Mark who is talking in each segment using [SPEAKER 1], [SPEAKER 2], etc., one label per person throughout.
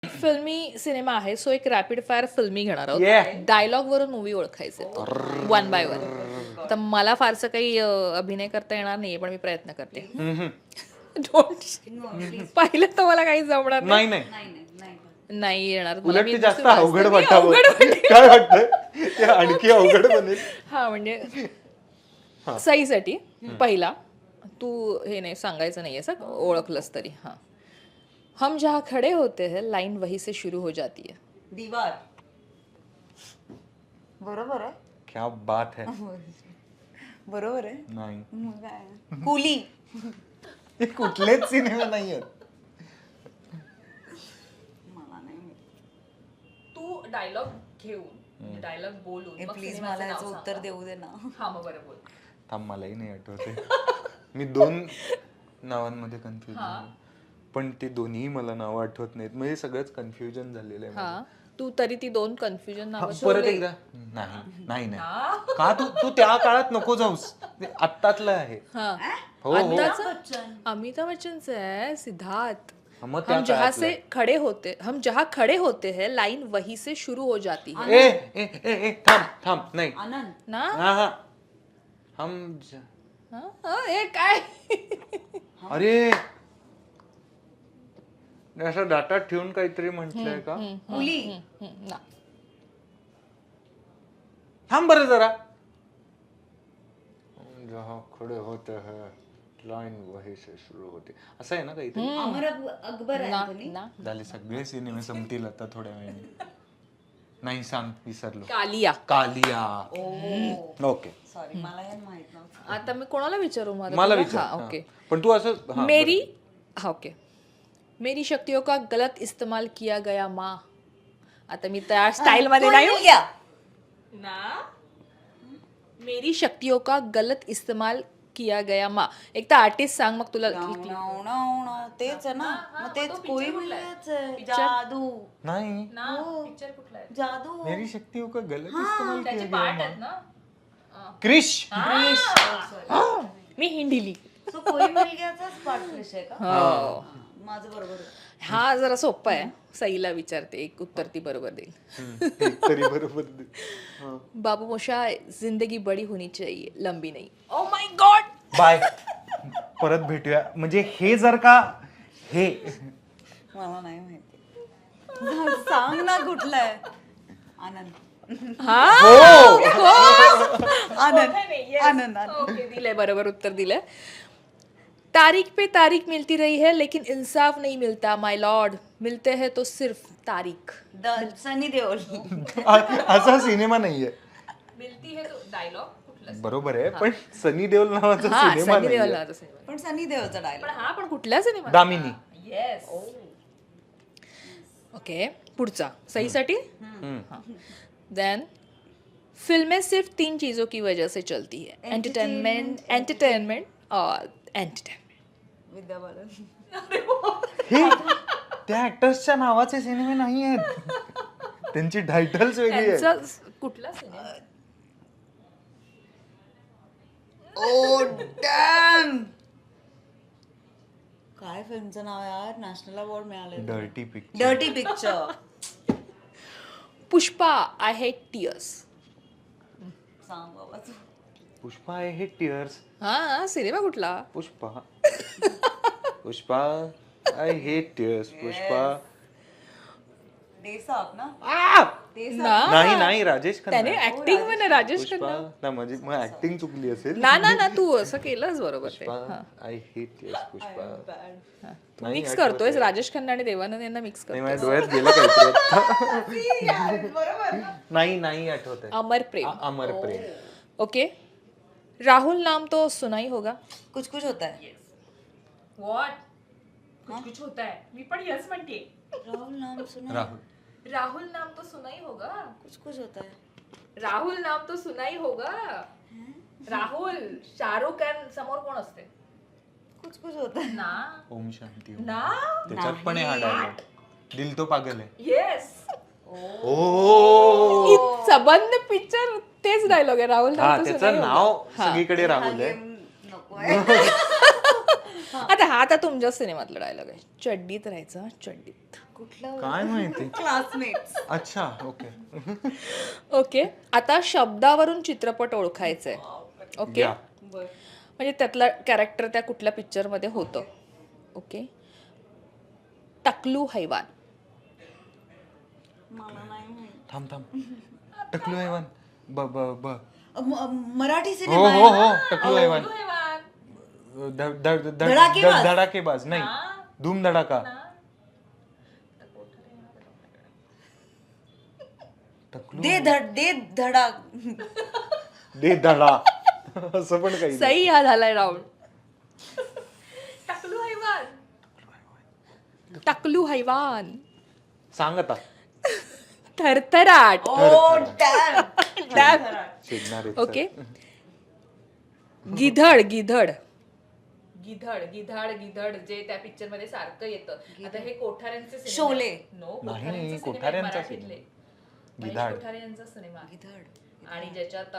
[SPEAKER 1] फिल्मी सिनेमा आहे, सो एक रॅपिड फायर फिल्मी घेणार
[SPEAKER 2] Yeah.
[SPEAKER 1] आहोत. डायलॉग वरून मूवी ओळखायचे वन बाय वन. तर मला फारसं काही अभिनय करता येणार नाहीये, पण मी प्रयत्न करते. Don't. पाहिलं तर मला काही जमणार
[SPEAKER 2] नाही नाही
[SPEAKER 1] नाही येणार मला.
[SPEAKER 2] उलट
[SPEAKER 1] मी
[SPEAKER 2] ते जास्त
[SPEAKER 1] नुसती वाचते.
[SPEAKER 2] अवघड
[SPEAKER 1] मी
[SPEAKER 2] वाटावं
[SPEAKER 1] अवघड वाटेल.
[SPEAKER 2] काय वाटतं ते आणखी अवघड बनेल.
[SPEAKER 1] हा म्हणजे सईसाठी पहिला तू हे नाही सांगायचं नाहीये सर, ओळखलंस तरी. हा, हम जहाँ खडे होते हैं लाइन वही से शुरू हो जाती है.
[SPEAKER 3] दीवार. बरोबर आहे.
[SPEAKER 2] क्या बात है.
[SPEAKER 3] बरोबर आहे.
[SPEAKER 2] नाही
[SPEAKER 3] मग काय? कुली.
[SPEAKER 2] हे कुठलेच सिनेमा नाही आहेत.
[SPEAKER 3] मला नाही माहित.
[SPEAKER 1] तू डायलॉग घेऊन डायलॉग बोलून मग
[SPEAKER 3] प्लीज
[SPEAKER 1] सिनेमाचं
[SPEAKER 3] मला
[SPEAKER 1] नाव
[SPEAKER 3] याचं
[SPEAKER 1] सांग.
[SPEAKER 3] उत्तर देऊ दे ना.
[SPEAKER 1] हा मग बरं बोल.
[SPEAKER 2] थांब मलाही नाही आठवते. मी 2 नावांमध्ये कन्फ्युज पण ते दोन्ही मला नावं आठवत नाहीत. म्हणजे सगळंच कन्फ्युजन झालेलं आहे.
[SPEAKER 1] हा, तू तरी ती 2 कन्फ्युजन
[SPEAKER 2] हा,
[SPEAKER 1] नावं
[SPEAKER 2] परत एकदा नाही नाही नाही का तू तू त्या काळात नको जाऊस. ते आत्तातलं आहे.
[SPEAKER 1] हा,
[SPEAKER 2] हो हो
[SPEAKER 3] बच्चन.
[SPEAKER 1] अमिताभ बच्चनचं आहे सिद्धार्थ.
[SPEAKER 2] मग त्या
[SPEAKER 1] हम जहाँ
[SPEAKER 2] काळातलं
[SPEAKER 1] से खड़े होते हम जहाँ खड़े होते हैं लाइन वही से शुरू हो जाती है.
[SPEAKER 2] ए ए ए ए थांब थांब नाही
[SPEAKER 3] आनंद.
[SPEAKER 1] ना
[SPEAKER 2] हा हा हम
[SPEAKER 1] हा, हा, हे काय
[SPEAKER 2] अरे असं डाटा ठेवून काहीतरी म्हटलंय का.
[SPEAKER 3] कुली.
[SPEAKER 1] ना
[SPEAKER 2] थांब बरं जरा. हम जहाँ खड़े होते हैं लाइन वही से शुरू होते असं आहे ना काहीतरी.
[SPEAKER 3] अमर अकबर
[SPEAKER 1] ना
[SPEAKER 3] अँथोनी.
[SPEAKER 1] ना
[SPEAKER 2] झाले सगळे सिनेमे संपतील आता थोड्या वेळाने. नाही सांग विसरलो.
[SPEAKER 1] कालिया.
[SPEAKER 2] कालिया. ओके
[SPEAKER 3] सॉरी मला हे माहित नव्हतं.
[SPEAKER 1] आता मी कोणाला विचारू
[SPEAKER 2] मला
[SPEAKER 1] तुला?
[SPEAKER 2] विचार
[SPEAKER 1] हा,
[SPEAKER 2] हा.
[SPEAKER 1] ओके.
[SPEAKER 2] पण तू असं हा,
[SPEAKER 1] मेरी हा ओके मेरी शक्तियों का गलत इस्तेमाल किया गया माँ. आता मी त्या स्टाईल मध्ये
[SPEAKER 3] कोण
[SPEAKER 1] नाही
[SPEAKER 3] मिल गया?
[SPEAKER 1] ना. मेरी शक्तियों का गलत इस्तेमाल किया गया माँ. एक तर आर्टिस्ट सांग मग तुला.
[SPEAKER 3] नाव, नाव, नाव, नाव. तेच आहे ना. मग तेच कोई मिलच आहे. जादू.
[SPEAKER 2] नाही
[SPEAKER 1] पिक्चर कुठला आहे?
[SPEAKER 3] जादू.
[SPEAKER 2] मेरी शक्तियों का गलत इस्तेमाल
[SPEAKER 1] त्याचे पार्ट आहेत ना.
[SPEAKER 2] क्रिश.
[SPEAKER 1] मी हिंडिली.
[SPEAKER 3] सो कोई मिल गयाचाच पाठ फ्रेश आहे का?
[SPEAKER 1] हो.
[SPEAKER 3] माझं बरोबर आहे.
[SPEAKER 1] हा जरा सोपा आहे. सईला विचारते, एक उत्तर ती बरोबर देईल.
[SPEAKER 2] एक तरी बरोबर दे. हा.
[SPEAKER 1] बाबू मोशा जिंदगी बड़ी होनी चाहिए लंबी नहीं. Oh my God.
[SPEAKER 2] बाय परत भेटूया. म्हणजे हे जर का हे
[SPEAKER 3] मला नाही माहिती. सांग ना कुठलं आहे. आनंद. आनंद. आनंद.
[SPEAKER 1] ओके, दिलंय बरोबर उत्तर दिलंय. तारीख पे तारीख मिलती रही है लेकिन इंसाफ नहीं मिलता माय लॉर्ड. मिलते हैं तो सिर्फ तारीख.
[SPEAKER 3] सनी देओल.
[SPEAKER 2] असा सिनेमा नाहीये.
[SPEAKER 1] मिलती है तो डायलॉग
[SPEAKER 2] बरोबर आहे पण सनी देओल नावाचा सिनेमा
[SPEAKER 1] सनी देओल
[SPEAKER 2] नाही.
[SPEAKER 1] नावाचा सिनेमा.
[SPEAKER 3] पण सनी देओलचा
[SPEAKER 1] पण
[SPEAKER 3] डायलॉग.
[SPEAKER 1] हा पण कुठल्या सिनेमा?
[SPEAKER 2] दामिनी.
[SPEAKER 1] येस. ओके, पुढचा सहीसाठी. देन फिल्में सिर्फ 3 चीजों की वजह से चलती है. एंटरटेनमेंट और एंटरटेनमेंट.
[SPEAKER 3] विद्या बालन.
[SPEAKER 2] हे त्या ऍक्टर्सच्या नावाचे सिनेमे नाही आहेत. त्यांची टायटल्स वेगळी आहेत.
[SPEAKER 1] त्यांचा कुठला सिनेमा?
[SPEAKER 3] ओ डॅम. काय फिल्मचं नाव यार? नॅशनल अवॉर्ड मिळाले.
[SPEAKER 2] Dirty picture.
[SPEAKER 3] Dirty picture.
[SPEAKER 1] Pushpa I hate tears.
[SPEAKER 3] सांग बाबा तू.
[SPEAKER 2] Pushpa I hate tears.
[SPEAKER 1] हा सिनेमा कुठला?
[SPEAKER 2] Pushpa Pushpa I hate tears. Pushpa
[SPEAKER 3] देसाप ना.
[SPEAKER 1] ना
[SPEAKER 2] नाही नाही राजेश खन्ना.
[SPEAKER 1] त्याने ऍक्टिंग मध्ये राजेश
[SPEAKER 2] पुष्पा
[SPEAKER 1] खन्ना.
[SPEAKER 2] ना म्हणजे मग ऍक्टिंग चुकली असेल.
[SPEAKER 1] ना ना ना तू असं केलंच बरोबर ते.
[SPEAKER 2] Pushpa I hate tears. Pushpa
[SPEAKER 1] तू मिक्स करतोयस राजेश खन्ना आणि देवानंद यांना मिक्स
[SPEAKER 2] नाही
[SPEAKER 1] करतो.
[SPEAKER 2] माझ्या डोळ्यात गेलं काहीतरी. नाही नाही आठवत आहे.
[SPEAKER 1] अमर प्रेम.
[SPEAKER 2] अमर प्रेम.
[SPEAKER 1] ओके. राहुल नाम तो सुना ही होगा.
[SPEAKER 3] कुछ कुछ होता है.
[SPEAKER 1] व्हॉट कुछ कुछ होता है. मी पण यस म्हणते.
[SPEAKER 3] राहुल नाम सुना.
[SPEAKER 1] राहुल नाम तो सुना ही होगा.
[SPEAKER 3] कुछ कुछ होता है.
[SPEAKER 1] राहुल नाम तो सुना ही होगा. राहुल शाहरुख खान समोर कोण असते?
[SPEAKER 3] कुछ कुछ होता है.
[SPEAKER 1] ना
[SPEAKER 2] ओम शांती ओम.
[SPEAKER 1] ना.
[SPEAKER 2] त्याच्यात पण आहे हा डायलॉग. दिल तो पागल है.
[SPEAKER 1] येस.
[SPEAKER 2] ओ
[SPEAKER 1] सबंध पिक्चर तेच डायलॉग आहे. राहुल
[SPEAKER 2] हा
[SPEAKER 1] नाम तो
[SPEAKER 2] त्याचं
[SPEAKER 1] सुना ही होगा.
[SPEAKER 2] नाव सगळीकडे राहुल आहे.
[SPEAKER 3] नको आहे.
[SPEAKER 1] आता हा आता तुमच्या सिनेमातला डायलॉग आहे. चड्डीत राहायचं चड्डीत.
[SPEAKER 3] कुठला
[SPEAKER 2] काय माहिती.
[SPEAKER 3] क्लासमेट्स.
[SPEAKER 2] अच्छा ओके.
[SPEAKER 1] ओके, आता शब्दावरून चित्रपट ओळखायचंय. ओके,
[SPEAKER 2] या.
[SPEAKER 1] म्हणजे त्यातला कॅरेक्टर त्या कुठल्या पिक्चरमध्ये होतं. ओके, टकलू हैवान.
[SPEAKER 3] मला नाही माहित.
[SPEAKER 2] थांब टकलू हैवान. ब ब ब
[SPEAKER 3] मराठी
[SPEAKER 2] हो
[SPEAKER 3] सिनेमा
[SPEAKER 2] हो हो टकलू हैवान.
[SPEAKER 3] धडाकेबाज.
[SPEAKER 2] धडाकेबाज नाही, धूम धडाका.
[SPEAKER 3] दे धडा.
[SPEAKER 2] दे धडा असं पण काही.
[SPEAKER 1] सही हा झालाय राऊंड. टकलू हैवान. टकलू हैवान.
[SPEAKER 2] सांग आता.
[SPEAKER 1] थरथराट.
[SPEAKER 2] शिकणार
[SPEAKER 1] ओके, गिधड गिधड गिधड गिधड गिधड जे त्या पिक्चर मध्ये सारखं येतं. आता हे कोठाऱ्यांचे सिनेमे.
[SPEAKER 3] शोले.
[SPEAKER 1] नो,
[SPEAKER 2] नाही,
[SPEAKER 1] कोठाऱ्यांचे
[SPEAKER 2] कोठाऱ्यांचा
[SPEAKER 1] सिनेमे मराठीतले. महेश
[SPEAKER 2] गिधाड.
[SPEAKER 1] कोठारे यांचा सिनेमा आहे.
[SPEAKER 3] गिधड.
[SPEAKER 1] आणि ज्याच्यात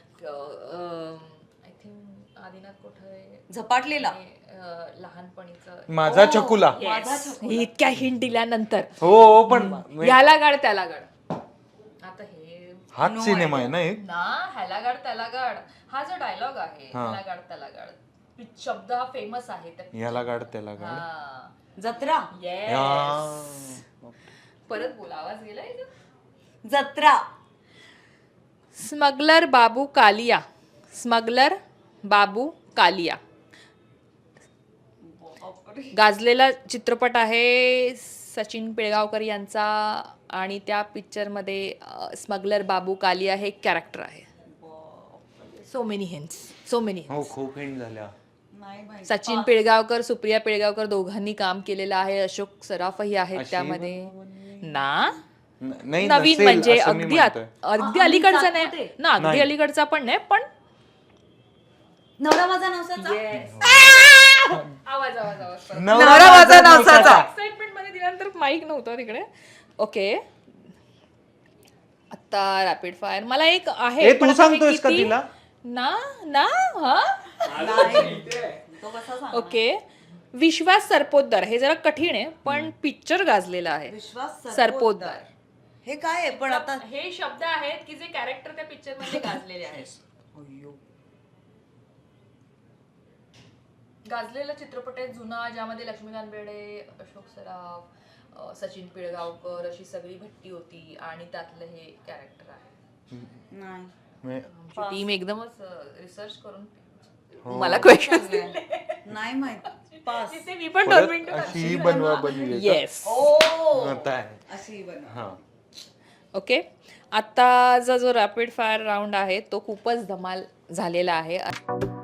[SPEAKER 1] आय थिंक आदिनाथ कोठारे
[SPEAKER 3] झपाटलेला.
[SPEAKER 1] लहानपणीचं.
[SPEAKER 2] माझा चकुला.
[SPEAKER 1] इतक्या हिंट दिल्यानंतर
[SPEAKER 2] हो पण
[SPEAKER 1] याला गाड त्याला गाड. आता हे
[SPEAKER 2] हाच सिनेमा आहे ना एक.
[SPEAKER 1] ना, ह्याला गाड त्याला गाड हा जो डायलॉग आहे, ह्याला गाड त्याला गाड, शब्द हा फेमस आहे त्या
[SPEAKER 2] याला गाड त्याला गाड.
[SPEAKER 1] हा.
[SPEAKER 3] जत्रा.
[SPEAKER 1] Yes. परत बोला, आवाज गेलाय इथं?
[SPEAKER 3] जत्रा.
[SPEAKER 1] स्मगलर बाबू कालिया. स्मगलर बाबू कालिया गाजलेला चित्रपट आहे सचिन पिळगावकर यांचा. आणि त्या पिक्चरमध्ये स्मगलर बाबू कालिया हे कॅरेक्टर आहे. So many hints, so many.
[SPEAKER 2] हो खूप हिंट झाल्या.
[SPEAKER 3] नाही माहित.
[SPEAKER 1] सचिन पिळगावकर, सुप्रिया पिळगावकर दोघांनी काम केलेलं आहे. अशोक सराफही आहेत
[SPEAKER 2] अशी
[SPEAKER 1] त्यामध्ये ना.
[SPEAKER 2] नाही
[SPEAKER 1] नवीन
[SPEAKER 2] नसेल
[SPEAKER 1] म्हणजे
[SPEAKER 2] असं मी
[SPEAKER 1] अगदी
[SPEAKER 2] म्हणतोय.
[SPEAKER 1] अगदी अलीकडचा नाही
[SPEAKER 3] सातपुते.
[SPEAKER 1] ना, अगदी अलीकडचा पण नाही पण
[SPEAKER 3] नवरा माझा नवसाचा.
[SPEAKER 1] आवाज आवाज आवाज
[SPEAKER 2] नवरा माझा नवसाचा.
[SPEAKER 1] एक्साइटमेंट मध्ये दिल्यानंतर माईक नव्हतं तिकडे. ओके, आता रॅपिड फायर मला एक आहे.
[SPEAKER 2] ए, तू
[SPEAKER 1] पण आता हे
[SPEAKER 2] सांगतोयस का
[SPEAKER 1] किती-
[SPEAKER 2] तिला?
[SPEAKER 1] ना ना हा.
[SPEAKER 3] तो कसा सांग.
[SPEAKER 1] ओके, विश्वास सरपोतदार. हे जरा कठीण आहे पण पिक्चर गाजलेला आहे.
[SPEAKER 3] विश्वास
[SPEAKER 1] सरपोतदार.
[SPEAKER 3] हे काय आहे पण आता.
[SPEAKER 1] हे शब्द आहेत की जे कॅरेक्टर त्या पिक्चर मध्ये गाजलेले आहेत. गाजलेला चित्रपट आहे जुना, ज्यामध्ये लक्ष्मीकांत बेर्डे, अशोक सराफ, सचिन पिळगावकर अशी सगळी भट्टी होती आणि त्यातलं हे कॅरेक्टर आहे.
[SPEAKER 3] नाही.
[SPEAKER 1] टीम एकदमच रिसर्च करून
[SPEAKER 2] हो.
[SPEAKER 1] मला क्वेश्चन
[SPEAKER 3] नाही माहित. पास.
[SPEAKER 1] मी पण
[SPEAKER 2] परत
[SPEAKER 1] 2 मिनिटं
[SPEAKER 2] अशी बनवा बनवी
[SPEAKER 1] येस.
[SPEAKER 2] आता आहे.
[SPEAKER 3] अशी बन.
[SPEAKER 2] हा.
[SPEAKER 1] ओके, आत्ताचा जो रॅपिड फायर राऊंड आहे तो खूपच धमाल झालेला आहे.